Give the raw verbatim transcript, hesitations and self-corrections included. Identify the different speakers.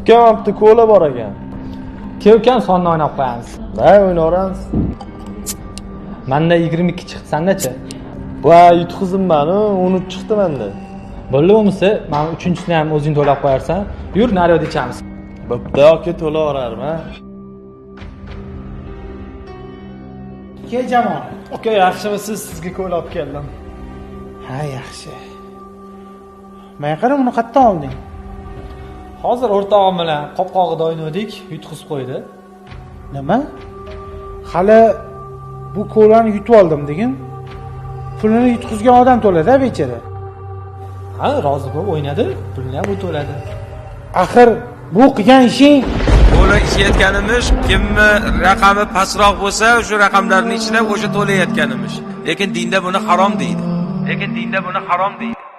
Speaker 1: ukam hafta ko'la bor ekan.
Speaker 2: Ke ukam sonni o'ynab qo'yamiz.
Speaker 1: Voy, o'ynaveramiz.
Speaker 2: Menda yigirma ikki chiqdi, senda-chi?
Speaker 1: Voy, yutqizimman-ku, o'n uch chiqdi menda.
Speaker 2: Bo'ldi bo'lmasa, mana uchinchisini ham o'zing to'lab qo'yarsan. Yur, naryoqda ichamiz.
Speaker 1: Bo'pti, aka to'laverarman, ha.
Speaker 3: Ke Jamol.
Speaker 1: Aka, yaxshimisiz? Sizga ko'la olib keldim.
Speaker 3: Ha, yaxshi. Men qara buni qayerdan olding?
Speaker 2: Hozir o'rtog'im bilan qopqog'ida o'ynadik, yutqizib qo'ydi.
Speaker 3: Nima? Hali bu ko'lani yutib oldim degin. Pulini yutqizgan odam to'ladi, bechara.
Speaker 2: Ha, rozi bo'lib o'ynadi, pulni ham u to'ladi.
Speaker 3: Axir bu qilgan ishing
Speaker 4: Ko'la ichayotganimiz, kimni raqami pastroq bo'lsa, o'sha raqamlarning ichida o'sha to'layotganimiz. Lekin dinda buni harom deydi. Lekin dinda buni harom deydi.